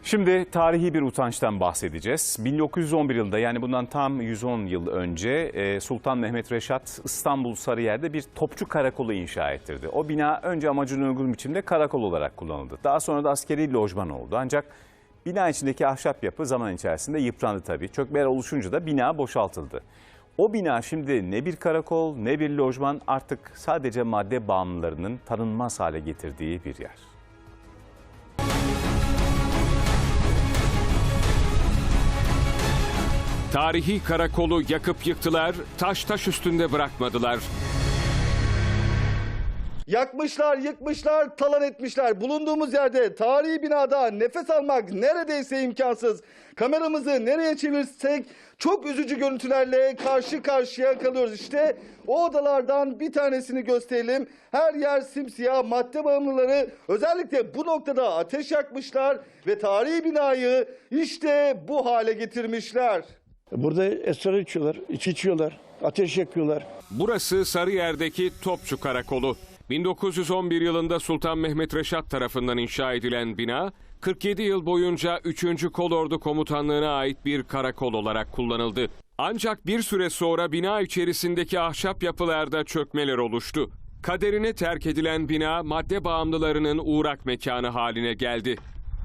Şimdi tarihi bir utançtan bahsedeceğiz. 1911 yılında, yani bundan tam 110 yıl önce Sultan Mehmet Reşat İstanbul Sarıyer'de bir topçu karakolu inşa ettirdi. O bina önce amacına uygun biçimde karakol olarak kullanıldı. Daha sonra da askeri lojman oldu. Ancak bina içindeki ahşap yapı zaman içerisinde yıprandı tabii. Çökmeler oluşunca da bina boşaltıldı. O bina şimdi ne bir karakol ne bir lojman, artık sadece madde bağımlılarının tanınmaz hale getirdiği bir yer. Tarihi karakolu yakıp yıktılar, taş üstünde bırakmadılar. Yakmışlar, yıkmışlar, talan etmişler. Bulunduğumuz yerde tarihi binada nefes almak neredeyse imkansız. Kameramızı nereye çevirsek çok üzücü görüntülerle karşı karşıya kalıyoruz. İşte o odalardan bir tanesini gösterelim. Her yer simsiyah, madde bağımlıları özellikle bu noktada ateş yakmışlar ve tarihi binayı işte bu hale getirmişler. Burada esrar içiyorlar, içki içiyorlar, ateş yakıyorlar. Burası Sarıyer'deki Topçu Karakolu. 1911 yılında Sultan Mehmet Reşat tarafından inşa edilen bina, 47 yıl boyunca 3. Kolordu Komutanlığı'na ait bir karakol olarak kullanıldı. Ancak bir süre sonra bina içerisindeki ahşap yapılarda çökmeler oluştu. Kaderine terk edilen bina madde bağımlılarının uğrak mekanı haline geldi.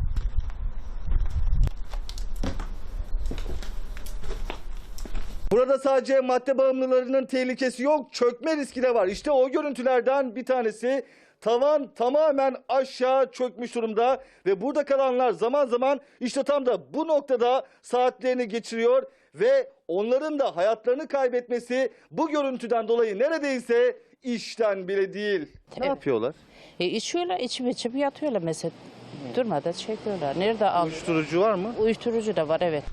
Burada sadece madde bağımlılarının tehlikesi yok, çökme riski de var. İşte o görüntülerden bir tanesi. Tavan tamamen aşağı çökmüş durumda ve burada kalanlar zaman zaman işte tam da bu noktada saatlerini geçiriyor ve onların da hayatlarını kaybetmesi bu görüntüden dolayı neredeyse işten bile değil. Ne yapıyorlar? İçiyorlar, içip yatıyorlar mesela. Durmadan çekiyorlar. Nerede al? Uyuşturucu var mı? Uyuşturucu da var, evet.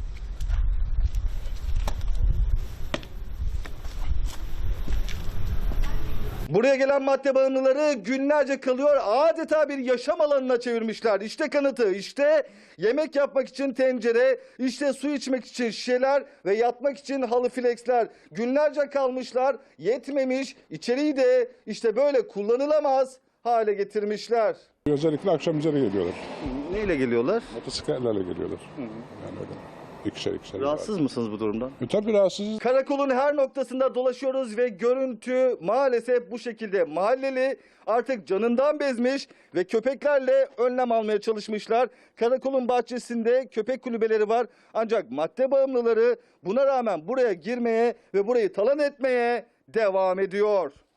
Buraya gelen madde bağımlıları günlerce kalıyor, adeta bir yaşam alanına çevirmişler. İşte kanıtı, işte yemek yapmak için tencere, işte su içmek için şişeler ve yatmak için halı flexler. Günlerce kalmışlar, yetmemiş, içeriği de işte böyle kullanılamaz hale getirmişler. Özellikle akşam üzeri geliyorlar. Neyle geliyorlar? Motosikletlerle geliyorlar. Yani öyle. İkişer. Rahatsız mısınız bu durumdan? Tabii rahatsızız. Karakolun her noktasında dolaşıyoruz ve görüntü maalesef bu şekilde. Mahalleli artık canından bezmiş ve köpeklerle önlem almaya çalışmışlar. Karakolun bahçesinde köpek kulübeleri var. Ancak madde bağımlıları buna rağmen buraya girmeye ve burayı talan etmeye devam ediyor.